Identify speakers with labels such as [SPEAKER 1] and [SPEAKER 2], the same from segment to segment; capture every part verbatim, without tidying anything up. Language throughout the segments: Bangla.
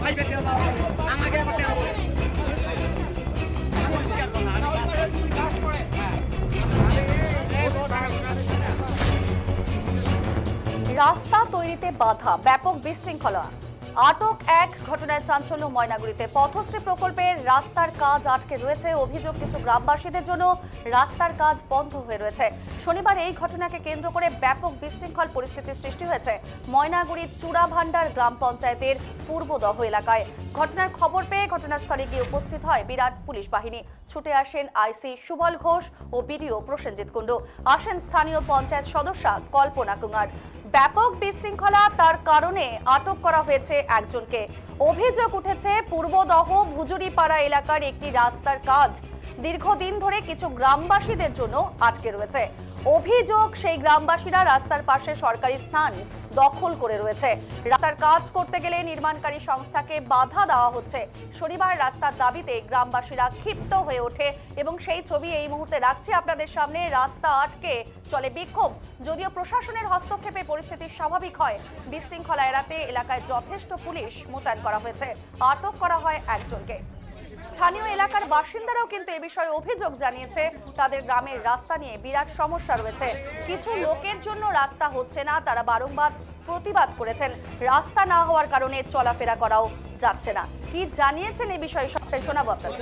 [SPEAKER 1] রাস্তা তৈরিতে বাধা, ব্যাপক বিশৃঙ্খলা, আটক এক ঘটনায় চাঞ্চল্য ময়নাগুড়িতে। পথশ্রী প্রকল্পের রাস্তার কাজ আটকে রয়েছে, অভিযোগ কিছু গ্রামবাসীদের জন্য রাস্তার কাজ বন্ধ হয়ে রয়েছে। শনিবার এই ঘটনাকে কেন্দ্র করে ব্যাপক বিশৃঙ্খল পরিস্থিতির সৃষ্টি হয়েছে ময়নাগুড়ির চূড়াভান্ডার গ্রাম পঞ্চায়েতের পূর্বদহ এলাকায়। ঘটনার খবর পেয়ে ঘটনাস্থলে গিয়ে উপস্থিত হয় বিরাট পুলিশ বাহিনী। ছুটে আসেন আইসি সুবল ঘোষ ও বিডিও প্রসেনজিৎ কুণ্ডু, আসেন স্থানীয় পঞ্চায়েত সদস্যা কল্পনা কুমার। ব্যাপক বিশৃঙ্খলা, তার কারণে আটক করা হয়েছে একজনকে। অভিযোগ উঠেছে পূর্বদহ ভুজুরিপাড়া এলাকার একটি রাস্তার কাজ দীর্ঘদিন ধরে কিছু গ্রামবাসীদের জন্য আটকে রয়েছে। অভিযোগ সেই গ্রামবাসীরা রাস্তার পাশে সরকারি স্থান দখল করে রয়েছে। রাস্তার কাজ করতে গেলে নির্মাণকারী সংস্থাকে বাধা দেওয়া হচ্ছে। শনিবার রাস্তার দাবিতে গ্রামবাসীরা ক্ষিপ্ত হয়ে ওঠে এবং সেই ছবি এই মুহূর্তে রাখছি আপনাদের সামনে। রাস্তা আটকে চলে বিক্ষোভ। যদিও প্রশাসনের হস্তক্ষেপে পরিস্থিতি স্বাভাবিক হয়, বিশৃঙ্খলা এড়াতে এলাকায় যথেষ্ট পুলিশ মোতায়েন করা হয়েছে। আটক করা হয় একজনকে। স্থানীয় এলাকার বাসিন্দারাও কিন্তু এ বিষয়ে অভিযোগ জানিয়েছে, তাদের গ্রামের রাস্তা নিয়ে বিরাট সমস্যা রয়েছে। কিছু লোকের জন্য রাস্তা হচ্ছে না, তারা বারংবার প্রতিবাদ করেছেন। রাস্তা না হওয়ার কারণে চলাফেরা করাও যাচ্ছে না। কি জানিয়েছেন এই বিষয়ে সবটাই শোনাবো আপনাদের।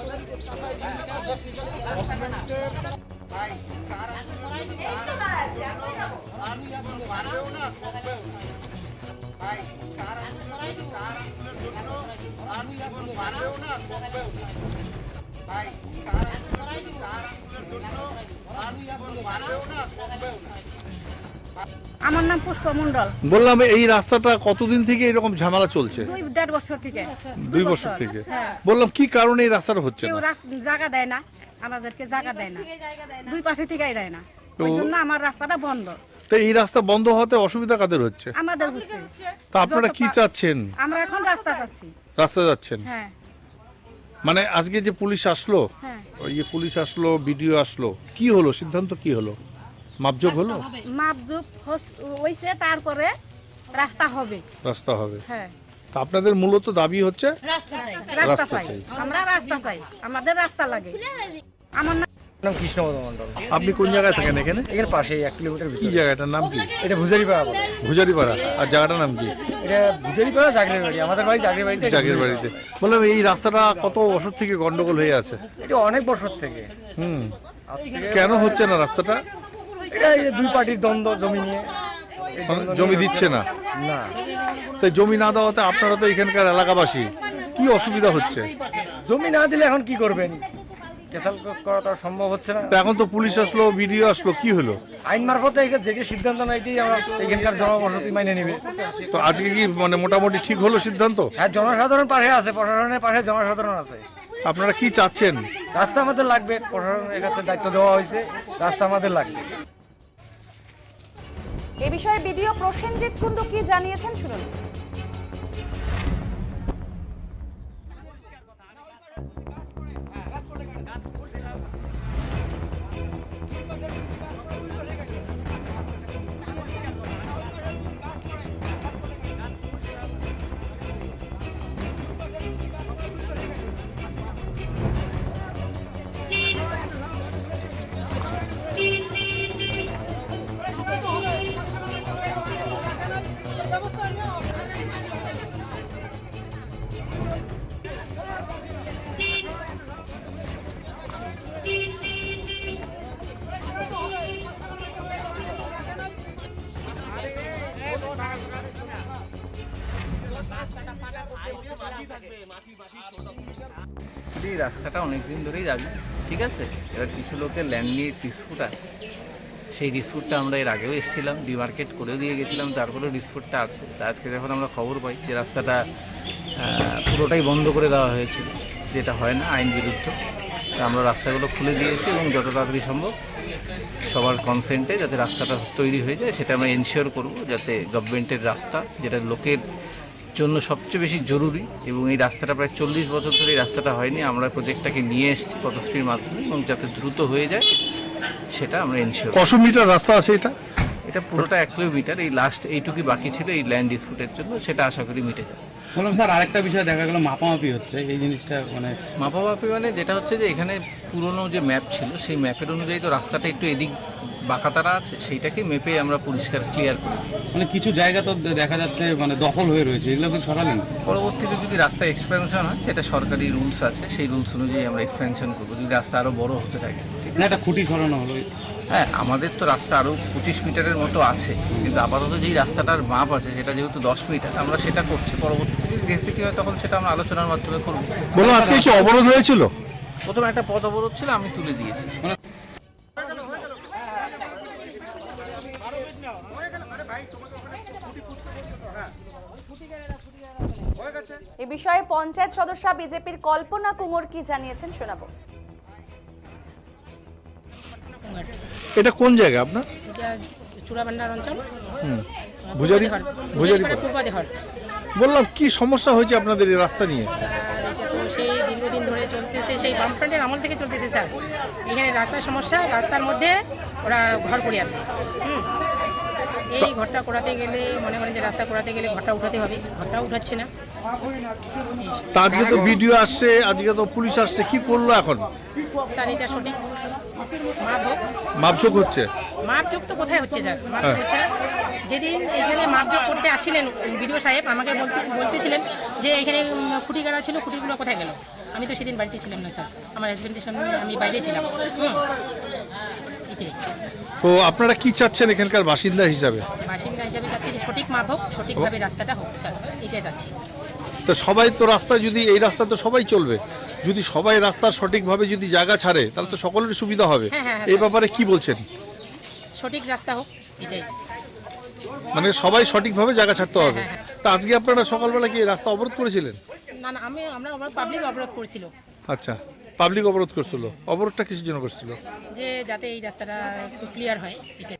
[SPEAKER 2] আমার নাম পুষ্প মন্ডল।
[SPEAKER 3] বললাম এই রাস্তাটা কতদিন থেকে এরকম ঝামেলা চলছে?
[SPEAKER 2] দুই দেড় বছর থেকে।
[SPEAKER 3] দুই বছর থেকে। বললাম কি কারণে এই রাস্তাটা হচ্ছে
[SPEAKER 2] কেউ
[SPEAKER 3] না?
[SPEAKER 2] জায়গা দেয় না, আমাদেরকে জায়গা দেয় না, দুই পাশে থেকেই দেয় না, ওই জন্য আমার রাস্তাটা বন্ধ।
[SPEAKER 3] তো এই রাস্তা বন্ধ হওয়াতে অসুবিধা কাদের হচ্ছে?
[SPEAKER 2] আমাদের হচ্ছে।
[SPEAKER 3] তা আপনারা কি চাচ্ছেন?
[SPEAKER 2] আমরা এখন রাস্তা চাচ্ছি।
[SPEAKER 3] রাস্তা যাচ্ছেন?
[SPEAKER 2] হ্যাঁ। মানে
[SPEAKER 3] আজকে যে পুলিশ আসলো,
[SPEAKER 2] হ্যাঁ,
[SPEAKER 3] ওই যে পুলিশ আসলো, বিডিও আসলো, কি হলো, সিদ্ধান্ত কি হলো? মাপজোক হলো?
[SPEAKER 2] মাপজোক হইছে, তারপরে রাস্তা হবে।
[SPEAKER 3] রাস্তা হবে।
[SPEAKER 2] হ্যাঁ।
[SPEAKER 3] তা আপনাদের মূলত দাবি হচ্ছে
[SPEAKER 2] রাস্তা চাই, রাস্তা চাই, আমরা রাস্তা চাই, আমাদের রাস্তা লাগে। আমার নাম
[SPEAKER 4] কৃষ্ণপদ মন্ডল।
[SPEAKER 3] আপনি কোন জায়গায় থাকেন? এখানে
[SPEAKER 4] এখানে পাশে এক কিলোমিটার
[SPEAKER 3] কি
[SPEAKER 4] ভিতরে।
[SPEAKER 3] জায়গাটার নাম কি?
[SPEAKER 4] এটা ভুজারিপাড়া বলে।
[SPEAKER 3] ভুজারিপাড়া। আর জায়গাটার নাম কি?
[SPEAKER 4] এটা ভুজারিপাড়া জাগরের বাড়ি, আমাদের বাড়ি জাগরের বাড়িতে।
[SPEAKER 3] জাগের বাড়িতে। বললাম এই রাস্তাটা কত বছর থেকে গন্ডগোল হয়ে আছে?
[SPEAKER 4] এটা অনেক বছর থেকে।
[SPEAKER 3] হুম।
[SPEAKER 4] আজ থেকে
[SPEAKER 3] কেন হচ্ছে না রাস্তাটা?
[SPEAKER 4] এটা এই যে দুই পার্টির দ্বন্দ্ব জমি নিয়ে। এই দ্বন্দ্ব নিয়ে
[SPEAKER 3] জমি দিচ্ছে না?
[SPEAKER 4] না।
[SPEAKER 3] তাই জমি না দেওয়াতে আপনারা তো এখানকার এলাকাবাসী, কি অসুবিধা হচ্ছে?
[SPEAKER 4] জমি না দিলে এখন কি করবেন? ক্যাসাল করা তো সম্ভব হচ্ছে না।
[SPEAKER 3] তো এখন তো পুলিশ আসলো, বিডিও আসলো, কি হলো?
[SPEAKER 4] আইন মারফতে এটা যেটি সিদ্ধান্ত না এটি আমরা এখানকার জনবসতি মাইনে নেবে।
[SPEAKER 3] তো আজকে কি মানে মোটামুটি ঠিক হলো সিদ্ধান্ত?
[SPEAKER 4] হ্যাঁ, জনসাধারণ পাশে আছে, প্রশাসনের পাশে জনসাধারণ আছে।
[SPEAKER 3] আপনারা কি চাচ্ছেন?
[SPEAKER 4] রাস্তা আমাদের লাগবে, প্রশাসনের কাছে দায়িত্ব দেওয়া হয়েছে, রাস্তা আমাদের লাগবে।
[SPEAKER 1] এ বিষয়ে বিডিও প্রসেনজিৎ কুণ্ডু কি জানিয়েছেন শুনুন।
[SPEAKER 5] এই রাস্তাটা অনেকদিন ধরেই যাবে, ঠিক আছে। এবার কিছু লোকের ল্যান্ড নিয়ে ডিসপুট আছে, সেই ডিসপুটটা আমরা এর আগেও এসেছিলাম, ডিমার্কেট করেও দিয়ে গেছিলাম, তারপরেও ডিসপুটটা আছে। তা আজকে যখন আমরা খবর পাই যে রাস্তাটা পুরোটাই বন্ধ করে দেওয়া হয়েছিল, যেটা হয় না, আইন বিরুদ্ধ, তা আমরা রাস্তাগুলো খুলে দিয়েছি এবং যত তাড়াতাড়ি সম্ভব সবার কনসেন্টে যাতে রাস্তাটা তৈরি হয়ে যায় সেটা আমরা এনশিওর করব, যাতে গভর্নমেন্টের রাস্তা, যেটা লোকের জন্য সবচেয়ে বেশি জরুরি, এবং এই রাস্তাটা প্রায় চল্লিশ বছর ধরে এই রাস্তাটা হয়নি, আমরা প্রজেক্টটাকে নিয়ে এসেছি পথশ্রীর মাধ্যমে, এবং যাতে দ্রুত হয়ে যায় সেটা আমরা এনশিওর।
[SPEAKER 3] কত মিটার রাস্তা আছে এটা?
[SPEAKER 5] এটা পুরোটা এক কিলোমিটার। এই লাস্ট এইটুকুই বাকি ছিল এই ল্যান্ড ডিসপুটের জন্য, সেটা আশা করি মিটে যাবে।
[SPEAKER 6] বললাম স্যার আরেকটা বিষয় দেখা গেল মাপামাপি হচ্ছে এই জিনিসটা মানে
[SPEAKER 5] মাপামাপি মানে যেটা হচ্ছে যে এখানে পুরনো যে ম্যাপ ছিল সেই ম্যাপের অনুযায়ী তো রাস্তাটা একটু এদিক বাঁকাতারা আছে, সেইটাকে মেপে আমরা পরিষ্কার ক্লিয়ার করি।
[SPEAKER 6] মানে কিছু জায়গা তো দেখা যাচ্ছে মানে দখল হয়ে রয়েছে, এগুলো কি সরালেন?
[SPEAKER 5] পরবর্তীতে যদি রাস্তা এক্সপেনশন হয়, যেটা সরকারি রুলস আছে সেই রুলস অনুযায়ী আমরা এক্সপেনশন করবো যদি রাস্তা আরও বড় হতে থাকে। ঠিক
[SPEAKER 6] না একটা খুঁটি সরানো হলো।
[SPEAKER 5] হ্যাঁ, আমাদের তো রাস্তা আরও পঁচিশ মিটারের মতো আছে, কিন্তু আপাতত যেই রাস্তাটার মাপ আছে সেটা যেহেতু দশ মিটার, আমরা সেটা করছি। পরবর্তীতে যদি ডেন্সিটি হয় তখন সেটা আমরা আলোচনার মাধ্যমে করবো।
[SPEAKER 3] বললাম আজকে কি অবরোধ হয়েছিল?
[SPEAKER 5] প্রথমে একটা পথ অবরোধ ছিল, আমি তুলে দিয়েছি।
[SPEAKER 1] এ বিষয়ে পঞ্চায়েত সদস্য বিজেপির কল্পনা কুমোর কি জানিয়েছেন শোনাবো।
[SPEAKER 3] এটা কোন জায়গা আপনার?
[SPEAKER 2] এটা চূড়াভান্ডার অঞ্চল,
[SPEAKER 3] ভুজারি ভুজারি
[SPEAKER 2] পূর্বাদেহর।
[SPEAKER 3] বললাম কি সমস্যা হয়েছে আপনাদের এই রাস্তা নিয়ে?
[SPEAKER 2] আর এটা তো সেই দীর্ঘদিন ধরে চলতেছে, সেই বামফ্রন্টের আমল থেকে চলতেছে স্যার। এখানে রাস্তার সমস্যা, রাস্তার মধ্যে ওরা ঘর করে আছে। হুম, এই ঘরটা করাতে গেলে মনে করেন যে রাস্তা করাতে গেলে ঘরটা উঠাতে হবে, ঘরটা উঠাচ্ছে না।
[SPEAKER 3] তা আজকে তো ভিডিও আসছে, আজকে তো পুলিশ আসছে, কি করলো এখন?
[SPEAKER 2] স্যার এটা সঠিক মাপ হোক।
[SPEAKER 3] মাপঝোক হচ্ছে?
[SPEAKER 2] মাপযোগ তো কোথায় হচ্ছে স্যার, মাপযোগ হচ্ছে না। যেদিন এখানে মাপযোগ করতে আসছিলেন বিডিও সাহেব আমাকে বলতে বলতেছিলেন যে এখানে খুঁটি গাড়া ছিল, খুঁটিগুলো কোথায় গেল? আমি তো সেদিন বাড়িতে ছিলাম না স্যার, আমার হাজব্যান্ডের সামনে আমি বাইরে ছিলাম। হুম, এটাই।
[SPEAKER 3] তো আপনারা কি চাচ্ছেন এখানকার বাসিন্দা হিসাবে?
[SPEAKER 2] বাসিন্দা হিসাবে চাচ্ছি যে সঠিক মাপ হোক, সঠিকভাবে রাস্তাটা হোক স্যার, এটাই চাচ্ছি।
[SPEAKER 3] তো সবাই তো রাস্তা, যদি এই রাস্তা তো সবাই চলবে, যদি সবাই রাস্তার সঠিকভাবে যদি জায়গা ছাড়ে তাহলে তো সকলের সুবিধা হবে।
[SPEAKER 2] হ্যাঁ, হ্যাঁ,
[SPEAKER 3] এই ব্যাপারে কি বলছেন?
[SPEAKER 2] সঠিক রাস্তা হোক, এটাই।
[SPEAKER 3] মানে সবাই সঠিকভাবে জায়গা ছাড়তে হবে।
[SPEAKER 2] হ্যাঁ, হ্যাঁ।
[SPEAKER 3] তা আজকে আপনারা সকালবেলা কি এই রাস্তা অবরোধ করেছিলেন?
[SPEAKER 2] না না, আমি আমরা আমরা পাবলিক অবরোধ করছিল,
[SPEAKER 3] আচ্ছা, পাবলিক অবরোধ করছিল। অবরোধটা কিসের জন্য করছিল?
[SPEAKER 2] যে যাতে এই রাস্তাটা একটু ক্লিয়ার হয়, এটাই।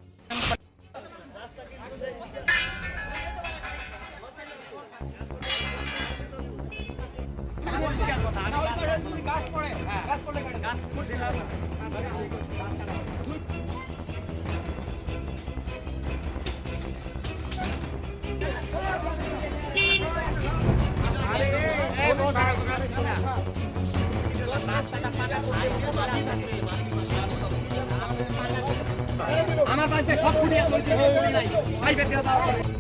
[SPEAKER 4] আমার কাছে সব ফুটিয়ে